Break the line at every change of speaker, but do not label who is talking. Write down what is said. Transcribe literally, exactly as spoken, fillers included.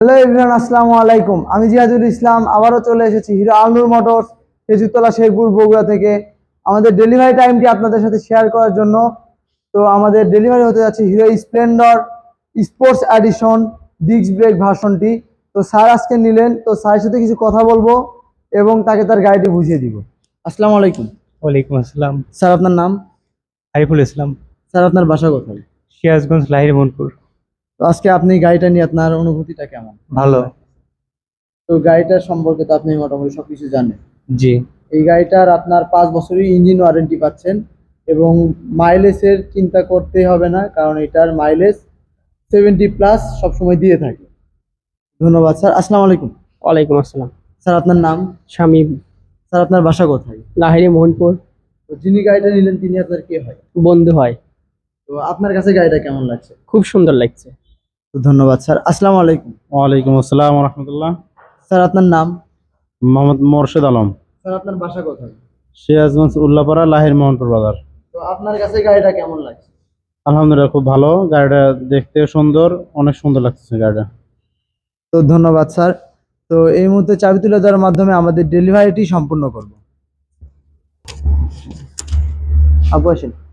Hello everyone, আসসালামু আলাইকুম। আমি জিয়াদুল ইসলাম আবারও চলে এসেছি হিরো আলনুর মোটরস, খেজুরতলা, শেরপুর, বগুড়া থেকে আমাদের ডেলিভারি টাইমটি আপনাদের সাথে শেয়ার করার জন্য। তো আমাদের ডেলিভারি হতে যাচ্ছে Hero Splendor sports edition disc brake ভার্সনটি। তো স্যার আজকে নিলেন, তো স্যারের সাথে কিছু কথা বলবো এবং তাকে তার গাড়িটি বুঝিয়ে দিব। আসসালামু আলাইকুম।
ওয়ালাইকুম আসসালাম।
স্যার আপনার নাম?
আরিফুল ইসলাম।
স্যার আপনার বাসা কোথায়?
সিরাজগঞ্জ, লাহিড়ী, মনপুর।
তো আজকে আপনি গাড়িটা নিয়ে আপনার অনুভূতিটা কেমন?
ভালো।
তো গাড়িটার সম্পর্কে তো আপনি মোটামুটি সবকিছু জানেন।
জি।
এই গাড়িটার আপনার পাঁচ বছরই ইঞ্জিন ওয়ারেন্টি পাচ্ছেন এবং মাইলেজের চিন্তা করতে হবে না, কারণ এটার মাইলেজ সেভেন্টি প্লাস সবসময় দিয়ে থাকে। ধন্যবাদ স্যার। আসসালামু আলাইকুম।
ওয়ালাইকুম আসসালাম।
স্যার আপনার নাম?
শামীম।
স্যার আপনার বাসা কোথায়?
লাহিড়ী, মোহনপুর।
তো যিনি গাড়িটা নিলেন তিনি আপনার কে হয়?
বন্ধু হয়।
তো আপনার কাছে গাড়িটা কেমন লাগছে?
খুব সুন্দর লাগছে।
তো ধন্যবাদ স্যার। আসসালামু আলাইকুম।
ওয়ালাইকুম আসসালাম রহমতুল্লাহ।
স্যার আপনার নাম?
মোহাম্মদ মোর্শেদ আলম।
স্যার আপনার বাসা কোথায়?
সিরাজগঞ্জ, উল্লাপাড়া, লাহিড়ী, মোহনপুর বাজার।
তো আপনার কাছে গাড়িটা কেমন লাগছে?
আলহামদুলিল্লাহ, খুব ভালো। গাড়িটা দেখতে সুন্দর, অনেক সুন্দর লাগতেছে গাড়িটা।
তো ধন্যবাদ স্যার। তো এই মুহূর্তে চাবি তুলে দেওয়ার মাধ্যমে আমাদের ডেলিভারিটি সম্পূর্ণ করব। আপু আসেন।